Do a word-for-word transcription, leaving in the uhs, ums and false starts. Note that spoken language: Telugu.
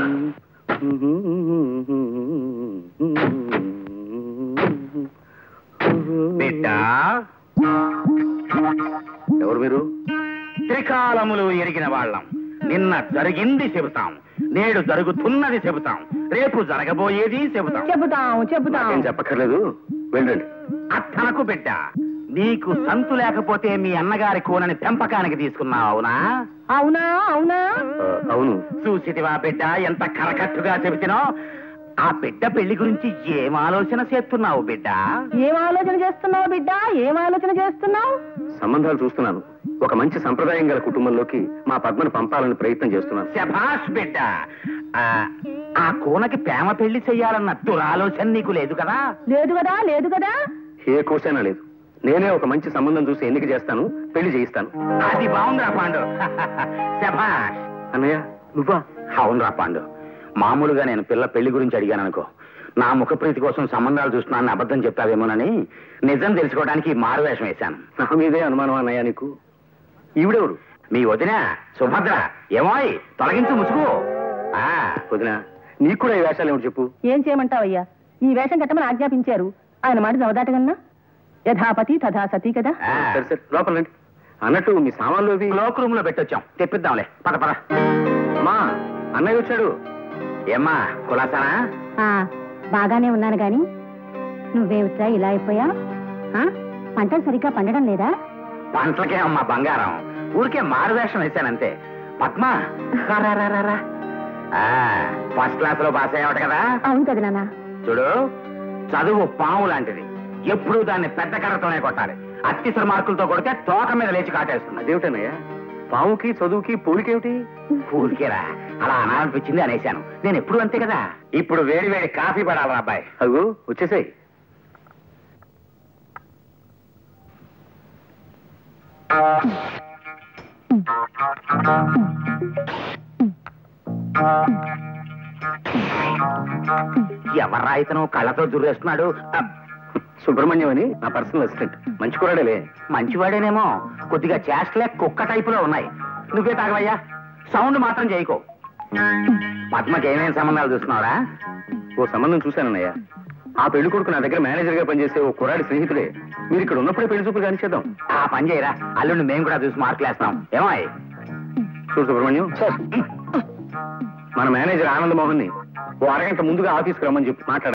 బిడ్డా, ఎవరు మీరు? త్రికాలములు ఎరిగిన వాళ్ళం. నిన్న జరిగింది చెబుతాం, నేడు జరుగుతున్నది చెబుతాం, రేపు జరగబోయేది చెబుతాం. చెబుతాం చెబుతాం ఏం చెప్పక్కర్లేదు, వెళ్ళండి. అత్తనకు బిడ్డ, నీకు సంతు లేకపోతే మీ అన్నగారి కూనని పెంపకానికి తీసుకున్నావు, అవునా? అవునా అవునా అవును. చూసిటివా బిడ్డ ఎంత కరకట్టుగా చెబుతున్నా? ఆ బిడ్డ పెళ్లి గురించి ఏం ఆలోచన చేస్తున్నావు బిడ్డ? ఏం ఆలోచన చేస్తున్నావు బిడ్డ? ఏం ఆలోచన చేస్తున్నావు? సంబంధాలు చూస్తున్నాను. ఒక మంచి సంప్రదాయం గల కుటుంబంలోకి మా పద్మను పంపాలని ప్రయత్నం చేస్తున్నాను. శభాష్ బిడ్డ. ఆ కూనకి ప్రేమ పెళ్లి చెయ్యాలన్న దురాలోచన నీకు లేదు కదా? లేదు కదా లేదు కదా ఏ కోసైనా లేదు. నేనే ఒక మంచి సంబంధం చూసి ఎన్నిక చేస్తాను, పెళ్లి చేయిస్తాను. అది బాగుందిరా పాండు. శభాష్. అన్నయ్య నువ్వా? అవునురా పాండు. మామూలుగా నేను పిల్ల పెళ్లి గురించి అడిగాను అనుకో, నా ముఖప్రీతి కోసం సంబంధాలు చూస్తున్నానని అబద్ధం చెప్తావేమోనని నిజం తెలుసుకోవడానికి మారువేషం వేశాను. నా మీదే అనుమానం అన్నయ్య నీకు. ఈవిడెవరు? మీ వదిన సుభద్ర. ఏమోయ్ తొలగించు ముసుగు. వదిన, నీకు కూడా ఈ వేషాలు ఏమిటి చెప్పు. ఏం చేయమంటావయ్యా? ఈ వేషం కట్టమని ఆజ్ఞాపించారు. ఆయన మాట చదవదాటగన్నా? యథాపతి తథా సతీ కదా. సరే సరే లోపల రండి. అన్నట్టు మీ సామాన్లు అవి లోక్ రూమ్ లో పెట్టొచ్చాం, తెప్పిద్దాంలే. పద పద. మా అన్నయ్య వచ్చాడు. ఏమ్మా కులాసానా? బాగానే ఉన్నాను గాని నువ్వేమిట్రా ఇలా అయిపోయా? పంటలు సరిగ్గా పండడం లేదా? పంటలకే అమ్మా బంగారం, ఊరికే మారువేషం వేశానంతే. పద్మ ఫస్ట్ క్లాస్ లో పాస్ అయ్యావట కదా? అవును కదా నాన్న. చూడు, చదువు పాము లాంటిది. ఎప్పుడూ దాన్ని పెద్ద కర్రతోనే కొట్టాలి. అత్యవసర మార్కులతో కొడితే తోక మీద లేచి కాటేస్తుంది. అదేమిటన్నయ్య, పాముకి చదువుకి పూలికేమిటి? ఊరికేరా, అలా అనాలనిపించింది అనేశాను. నేను ఎప్పుడు అంతే కదా. ఇప్పుడు వేడి వేడి కాఫీ పడాలి అబ్బాయి. అగు వచ్చేసాయి. ఎవర్రా ఇతను కళ్ళతో దుర్రేస్తున్నాడు? సుబ్రహ్మణ్యం అని నా పర్సనల్ అసిస్టెంట్. మంచి కూడాడేలే. మంచివాడేనేమో, కొద్దిగా చేష్టలే కుక్క టైపులో ఉన్నాయి. నువ్వే తాగవయ్యా, సౌండ్ మాత్రం చేయకో. పద్మకి ఏమేమి సంబంధాలు చూస్తున్నావురా? ఓ సంబంధం చూశానన్నయ్య. ఆ పెళ్లి కొడుకు నా దగ్గర మేనేజర్ గా పనిచేసే ఓ కుర్రాడి స్నేహితుడే. మీరు ఇక్కడ ఉన్నప్పుడే పెళ్లి చూపులు కానిచేద్దాం. ఆ పని చేయరా, అల్లుండి మేము కూడా చూసి మార్కులేస్తాం. ఏమో చూడు సుబ్రహ్మణ్యం, మన మేనేజర్ ఆనంద్ మోహన్ ని ఓ అరగంట ముందుగా ఆఫీస్కి రమ్మని చెప్పి మాట్లాడాలి.